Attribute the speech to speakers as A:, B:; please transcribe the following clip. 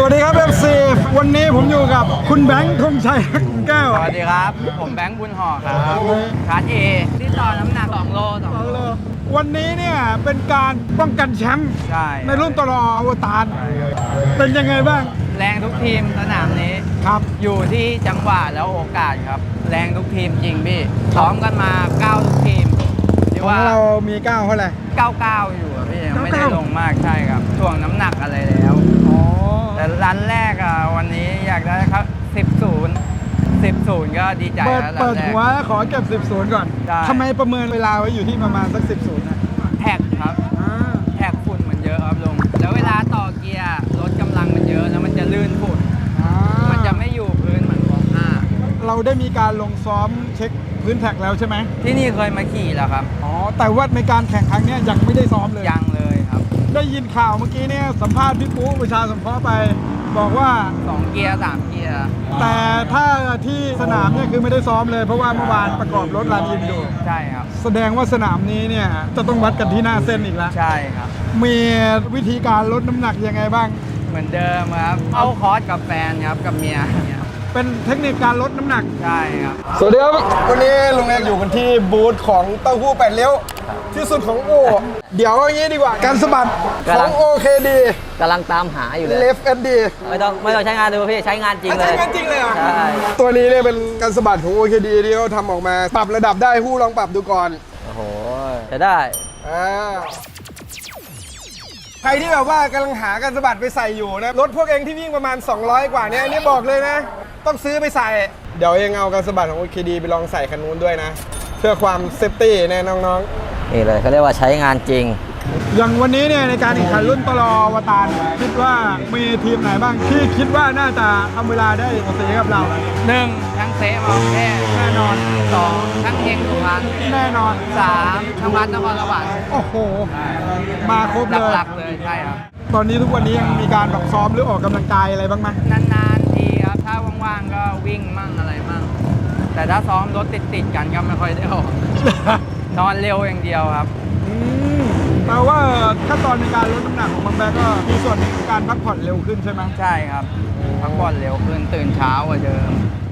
A: วัสดีครับ FC วันนี้ผมอยู่กับคุณแบงค์ธงชัยแก้ว
B: สวัสดีครับ ผมแบงค์บุญห่อครับคลาสเอที่ต่อน้ำหนัก2 โล
A: วันนี้เนี่ยเป็นการป้องกันแชมป์ในรุ่นตลออวตารเป็นยังไงบ้าง
B: แรงทุกทีมสนามนี้
A: ครับ
B: อยู่ที่จังหวะแล้วโอกาสครับแรงทุกทีมจริงพี่ซ้อมกันมา9ทุกทีม
A: ที่ว่าเรามี9เท่าไหร่
B: 99อยู่พี่ยังไม่ได้ลงมากใช่ครับถ่วงน้ำหนักอะไรแล้วแต่รันแรกวันนี้อยากได้ครับ10-0ก็ดีใจแล้ว
A: เปิดหัวขอเก็บ10-0ก่อนทำไมประเมินเวลาไว้อยู่ที่ประมาณสัก10-0นะ
B: แท็กครับแท็กฝุ่นมันเยอะครับลุงแล้วเวลาต่อเกียร์รถกำลังมันเยอะแล้วมันจะลื่นฝุ่นมันจะไม่อยู่พื้นเหมือนของ5
A: เราได้มีการลงซ้อมเช็คพื้นแท็กแล้วใช่ไหม
B: ที่นี่เคยมาขี่แล้วครับ
A: แต่ว่าในการแข่งครั้งนี้ยังไม่ได้ซ้อมเลย
B: ยังเลยครับ
A: ได้ยินข่าวเมื่อกี้เนี่ยสัมภาษณ์พี่ปุ๊ประชาสงเคราะห์ไปบอกว่า
B: 2 เกียร์3 เกียร์
A: แต่ถ้าที่สนามเนี่ยคือไม่ได้ซ้อมเลยเพราะว่าเมื่อวานประกอบรถรันอินอยู่
B: ใช่ครับ
A: แสดงว่าสนามนี้เนี่ยจะต้องวัดกันที่หน้าเส้นอีกแล้ว
B: ใช่ครับ
A: มีวิธีการลดน้ำหนักยังไงบ้าง
B: เหมือนเดิมครับเอาคอร์สกับแฟนครับกับเมีย
A: เป็นเทคนิคการลดน้ำหนัก
B: ใช่ครับ
A: สวัสดีครับวันนี้ลุงเอกอยู่กันที่บูธของเต้าหู้8 เลี้ยวที่สุดของโอเดี๋ยวอย่างนี้ดีกว่าการสะบัดของโอเคดี
C: กำลังตามหาอยู่เลย
A: Left SD
C: ไม่ต้องใช้งานดูพี่ใช้งานจริงเลย
A: ใช้งานจริงเลยเหรอ
C: ใช่
A: ตัวนี้เนี่ยเป็นการสะบัดของ OKD ที่เขาทำออกมาปรับระดับได้ผู้ลองปรับดูก่อน
C: โอ้โหจะได้
A: ใครที่แบบว่ากำลังหาการสะบัดไปใส่อยู่นะรถพวกเองที่วิ่งประมาณ200กว่านี้อันนี้บอกเลยนะต้องซื้อไปใส่เดี๋ยวเองเอาการสะบัดของ OKD ไปลองใส่คันนู้นด้วยนะเพื่อความเซฟตี้แน่น้อง
C: ๆนี่เลยเขาเรียกว่าใช้งานจริง
A: อย่างวันนี้เนี่ยในการแข่งขันรุ่นตลออวตารคิดว่ามีทีมไหนบ้างที่คิดว่าน่าจะทำเวลาได้โอเคกับเรา
B: 1ทั้งเซมาแน่นอน2ทั้งเฮงสุพรรณ
A: แน่นอน
B: 3ทั้งวัดนครสวรรค์
A: โอ้โหมาครบเลย
B: หลักๆเลยใช่ครับ
A: ตอนนี้ทุกวันนี้ยังมีการแบบซ้อมหรือออกกำลังกายอะไรบ้างไหม
B: นานๆทีครับถ้าว่างๆก็วิ่งมั่งอะไรมั่งแต่ถ้าซ้อมรถติดกันก็ไม่ค่อยได้ออกนอนเร็วอย่างเดียวครับ
A: แปลว่าขั้นตอนในการลดน้ำหนักของบางแบกก็มีส่วนในการพักผ่อนเร็วขึ้นใช่ไหม
B: ใช่ครับพักผ่อนเร็วขึ้นตื่นเช้ากว่าเดิม